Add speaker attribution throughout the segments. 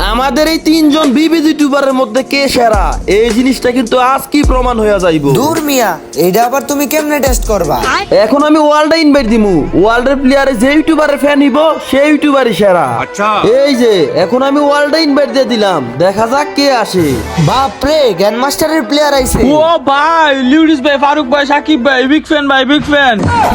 Speaker 1: আমাদের এই তিনজন বিবিধ ইউটিউবারের মধ্যে কে সেরা এই জিনিসটা কিন্তু আজ কি প্রমাণ হয়ে যাইবো।
Speaker 2: দূর মিয়া, এইটা আবার তুমি কেমনে টেস্ট করবা?
Speaker 1: এখন আমি ওয়ার্ল্ডে ইনভাইট দিমু, ওয়ার্ল্ডের প্লেয়ারে যে ইউটিউবারের ফ্যান হইব সেই ইউটিউবারই সেরা। এই যে এখন আমি ওয়ার্ল্ডে ইনভাইট দিয়ে দিলাম, দেখা যাক কে আসে।
Speaker 2: বাপ রে, গ্র্যান্ড মাস্টারের প্লেয়ার আইছে।
Speaker 3: ও ভাই, লিউডিস ভাই, ফারুক ভাই, সাকিব ভাই, বিগ ফ্যান ভাই, বিগ ফ্যান।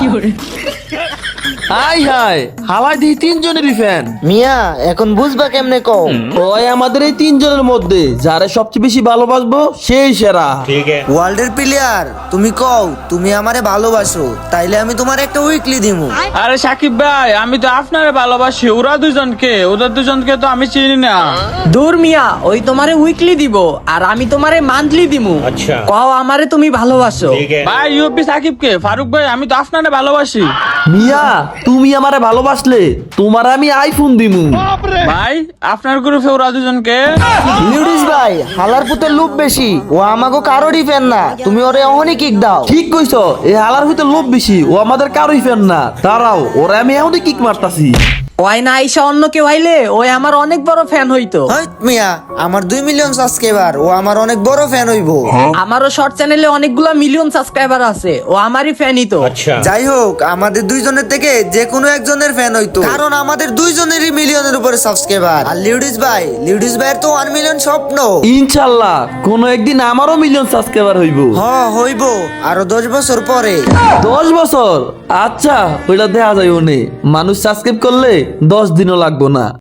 Speaker 1: হাই হাই, হালাই দিই তিনজনেরই ফ্যান।
Speaker 2: মিয়া এখন বুঝবা কেমনে কও?
Speaker 1: ওই আমাদের এই তিনজনের মধ্যে যারা সবচেয়ে বেশি ভালোবাসবো সেই সেরা।
Speaker 2: ওয়ার্ল্ডের প্লেয়ার তুমি কও তুমি আমারে ভালোবাসো, তাইলে আমি তোমার একটা উইকলি দিমু।
Speaker 3: আরে সাকিব ভাই, আমি তো আপনারে ভালোবাসি, ওরা দুজনকে, ওদের দুজনকে তো আমি চিনি না।
Speaker 4: দূর মিয়া, ওই তোমারে উইকলি দিব আর আমি তোমারে মান্থলি দিমু। কও আমারে তুমি ভালোবাসো।
Speaker 3: ভাই ইউপি সাকিবকে, ফারুক ভাই, আমি তো আপনারে ভালোবাসি।
Speaker 1: মিয়া তুমি আমারে ভালোবাসলে তোমার আমি আইফোন দিমু।
Speaker 3: ভাই আপনার গ্রুপে ওরা দুজনকে।
Speaker 2: লিউডিস ভাই, হালার পুতের লুপ বেশি, ও আমাগো কারোরই ফ্যান না, তুমি ওরে অহনি কিক দাও।
Speaker 1: ঠিক কইছ, এই হালার হইতে লোভ বেশি, ও আমাদের কারোই ফ্যান না। দাঁড়াও, ওরা আমি এখনই কিক মারতাছি।
Speaker 4: ওই না আইসা অন্য কেউ আইলে ওই আমার অনেক বড় ফ্যান হইতো।
Speaker 2: হইত মিয়া, আমার 2 মিলিয়ন সাবস্ক্রাইবার, ও আমার অনেক বড় ফ্যান হইবো।
Speaker 4: আমারও শর্ট চ্যানেলে অনেকগুলো মিলিয়ন সাবস্ক্রাইবার আছে, ও আমারই ফ্যানই তো।
Speaker 2: যাই হোক, আমাদের দুইজনের থেকে যে কোনো একজনের ফ্যান হইতো, কারণ আমাদের দুইজনেরই মিলিয়নের উপরে সাবস্ক্রাইবার। আর লিউডিস ভাইয়ের তো 1 মিলিয়ন স্বপ্ন।
Speaker 1: ইনশাল্লাহ কোনো একদিন আমারও মিলিয়ন সাবস্ক্রাইবার হইব।
Speaker 2: হইবো আরো 10 বছর পরে।
Speaker 1: 10 বছর? আচ্ছা, ওইটা দেখা যায়। মানুষ সাবস্ক্রাইব করলে 10 দিনও লাগবো না।